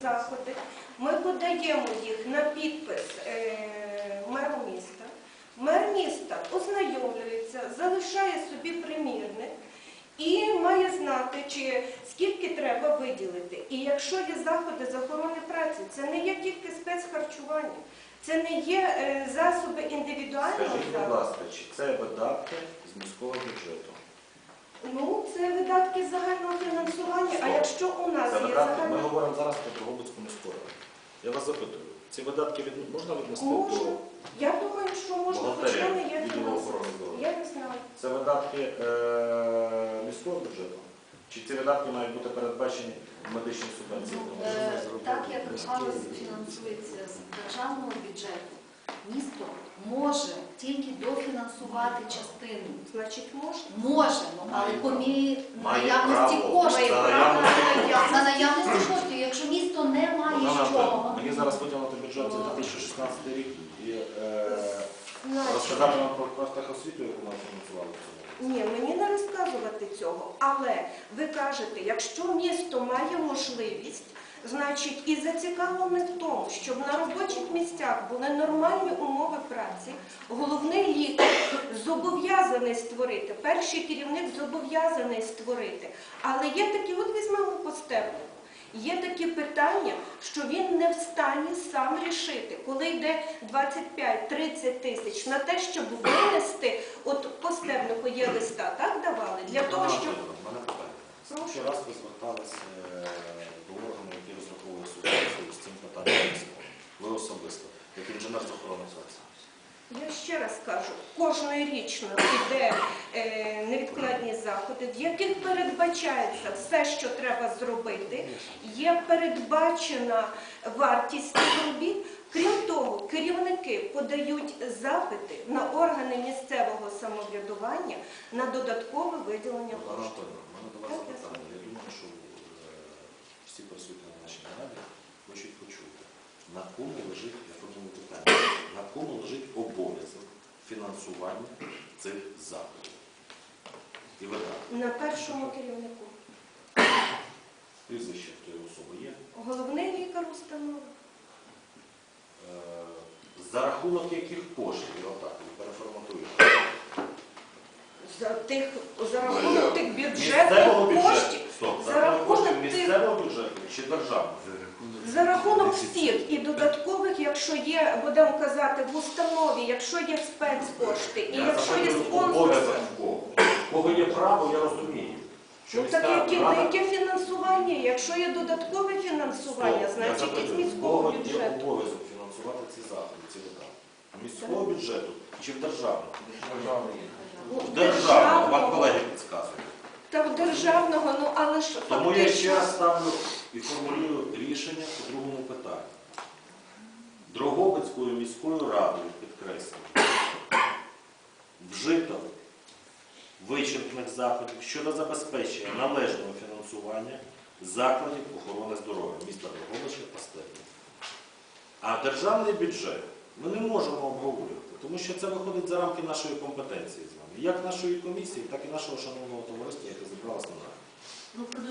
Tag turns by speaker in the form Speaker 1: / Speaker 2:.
Speaker 1: Заходи. Ми подаємо їх на підпис меру міста. Мер міста ознайомлюється, залишає собі примірник і має знати, скільки треба виділити. І якщо є заходи з охорони праці, це не є тільки спецхарчування, це не є засоби індивідуального захисту.
Speaker 2: Скажіть, будь ласка, чи це видатки з міського бюджету?
Speaker 1: Ну, це видатки загального фінансування, а якщо у нас є загальне...
Speaker 2: Ми говоримо зараз про Дрогобицьку міську раду. Я вас запитую, ці видатки можна віднести
Speaker 1: Можна.
Speaker 2: до...
Speaker 1: Я думаю, що можна, хоча не є фінансування. Я не знаю.
Speaker 2: Це видатки міського бюджету? Чи ці видатки мають бути передбачені в медичній субвенції?
Speaker 3: Так як галузь фінансується з державного бюджету, місто може тільки дофінансувати частину.
Speaker 1: Значить, можна?
Speaker 3: Може, але по мірі наявності
Speaker 2: право.
Speaker 3: коштів.
Speaker 2: За
Speaker 3: За наявності коштів. Якщо місто не має чого.
Speaker 2: Мені зараз виділити бюджет за 2016 рік і
Speaker 1: Значить,
Speaker 2: розказати вам про профтехосвіту, яку ми фінансували в цьому.
Speaker 1: ні, мені не розказувати цього. Але ви кажете, якщо місто має можливість, значить і зацікавлене в тому, щоб на робочих місцях були нормальні умови праці, головний лікар зобов'язаний створити, перший керівник зобов'язаний створити. Але є такі, от візьмемо по Стебнику, є такі питання, що він не в стані сам рішити, коли йде 25-30 тисяч на те, щоб винести, от по Стебнику є листа, так давали, для того, щоб...
Speaker 2: У мене питання. Ще раз ви зверталися до органу, який розраховує субвенцію з цим питанням міського. Ви особисто, як інженер з охорони праці.
Speaker 1: Я ще раз кажу, кожнорічно йде невідкладні заходи, в яких передбачається все, що треба зробити, є передбачена вартість цих робіт. Крім того, керівники подають запити на органи місцевого самоврядування на додаткове виділення коштів.
Speaker 2: У мене до вас запитання. Я думаю, що всі присутні на нашій нараді хочуть почути, на кому лежить, я формую питання, на кому лежить обов'язок фінансування цих заходів і видатків.
Speaker 1: На першому керівнику.
Speaker 2: Прізвище тої особи є.
Speaker 1: Головний лікар установи.
Speaker 2: За рахунок яких коштів, я отак переформатую.
Speaker 1: За рахунок тих
Speaker 2: Місцевого
Speaker 1: бюджетних коштів.
Speaker 2: Стоп, за рахунок коштів місцевого бюджету чи державного?
Speaker 1: За рахунок всіх і додаткових, якщо є, будемо казати, в установі, якщо є спецкошти, і якщо є спонсорство.
Speaker 2: В кого є право, я розумію.
Speaker 1: Ну так яке фінансування? Якщо є додаткове фінансування, значить із міського
Speaker 2: Кого є
Speaker 1: бюджету.
Speaker 2: обов'язок фінансувати ці заходи, ці видатки? Міського бюджету чи в державного? В державного, вам колеги підказують.
Speaker 1: Та в державного, ну але ж
Speaker 2: Тому я ще раз
Speaker 1: фактично...
Speaker 2: ставлю і формулюю рішення по другому питанню. Дрогобицькою міською радою, підкреслюю, вжито вичерпних заходів щодо забезпечення належного фінансування закладів охорони здоров'я міста Дрогобича та Стебника. А державний бюджет ми не можемо обговорювати, тому що це виходить за рамки нашої компетенції з вами, як нашої комісії, так і нашого шановного товариства, яке зібралося на нараді.